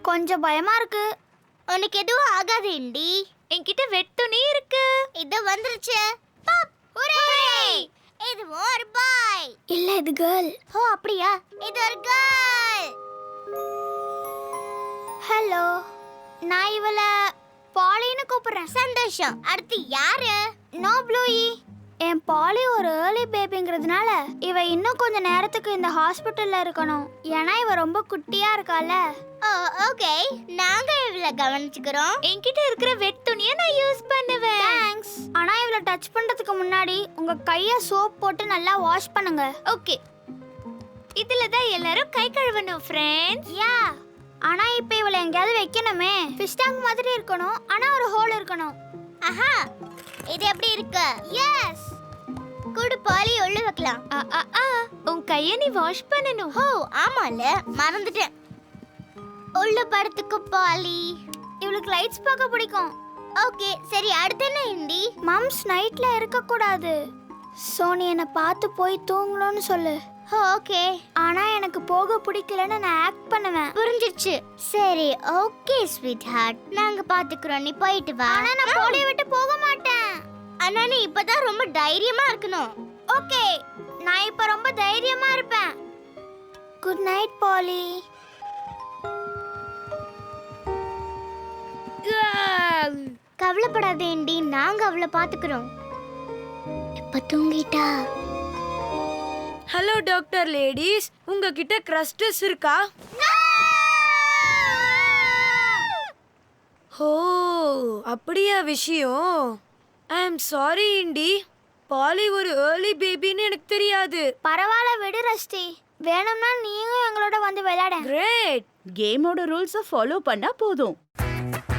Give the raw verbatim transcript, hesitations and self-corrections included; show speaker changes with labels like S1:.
S1: கொஞ்சம் பயமா இருக்கு.
S2: உனக்கு எதுவும் ஆகாது இண்டி.
S3: என்கிட்ட வெட் துணி இருக்கு.
S2: இது வந்துருச்சு. பாப் ஹூரே! இதுவும் ஒரு பாய்.
S1: இல்ல இது கேர்ள்.
S2: ஓ அப்படியா? இது ஒரு கேர்ள்.
S1: ஹலோ, நான் இவள பாலின்னு கூப்பிடுறேன்.
S2: சந்தோஷம். அடுத்து யாரு?
S1: No Bluey. என் பாலி ஒரு ஏர்லி பேபிங்கிறதுனால இவ இன்னும் கொஞ்ச நேரத்துக்கு இந்த ஹாஸ்பிட்டல்ல இருக்கணும். ஏன்னா இவ ரொம்ப குட்டியா இருக்கால.
S2: ஓ ஓகே, நாங்க இவள கவனிச்சுக்கிறோம்.
S3: என்கிட்ட இருக்கிற வெட் துணியை நான் யூஸ் பண்ணுவேன்.
S1: தேங்க்ஸ். ஆனா இவள டச் பண்றதுக்கு முன்னாடி உங்க கைய சோப் போட்டு நல்லா வாஷ் பண்ணுங்க.
S3: ஓகே, இதுல தான் எல்லாரும் கை கழுவணும் ஃப்ரெண்ட்ஸ்.
S1: யா. ஆனா இப்போ இவள எங்கயாவது வைக்கணுமே. ஃபிஷ் டேங்க் மாதிரி இருக்கணும். ஆனா ஒரு ஹோல் இருக்கணும்.
S2: ஆஹா, இது எப்படி இருக்கு?
S1: எஸ்.
S2: குடு பாலி உள்ள வைக்கலாம்.
S3: ஆ ஆ ஆ உன் கையை நீ வாஷ் பண்ணணும்.
S2: ஓ ஆமால, மறந்துட்டேன். உள்ள படத்துக்கு பாலி.
S1: இவளுக்கு லைட்ஸ் பார்க்க பிடிக்கும்.
S2: ஓகே சரி, அடுத்து என்ன இண்டி?
S1: மம்ஸ் நைட்ல இருக்க கூடாது. சோ நீ என்ன பார்த்து போய் தூங்கணும்னு சொல்லு.
S2: ஓகே.
S1: ஆனா எனக்கு போக பிடிக்கலன்னு நான் ஆக்ட் பண்ணுவேன்.
S2: புரிஞ்சிருச்சு. சரி ஓகே ஸ்வீட் ஹார்ட், நாங்க பாத்துக்கிறோம், நீ போயிட்டு வா.
S1: ஆனா நான் போலிய விட்டு போக மாட்டேன்.
S2: ஆனா நீ இப்பதான் ரொம்ப தைரியமா இருக்கணும்.
S1: ஓகே, நான் இப்ப ரொம்ப தைரியமா இருப்பேன். Good night Polly.
S2: கவலைப்படாத இண்டி, நாங்க அவளை பாத்துக்கிறோம். இப்ப தூங்கிட்டா.
S4: ஹலோ டாக்டர் லேடிஸ், உங்ககிட்ட கிரஸ்டஸ் இருக்கா? ஓ அப்படியா விஷயம். I am sorry Indy, Polly ஒரு ஏர்லி பேபின்னு எனக்கு தெரியாது.
S1: பரவாயில்ல விடு ரஷ்டி. வேணும்னா நீயும் எங்களோட வந்து விளையாட.
S4: கிரேட்.
S5: கேமோட ரூல்ஸை ஃபாலோ பண்ணா போதும்.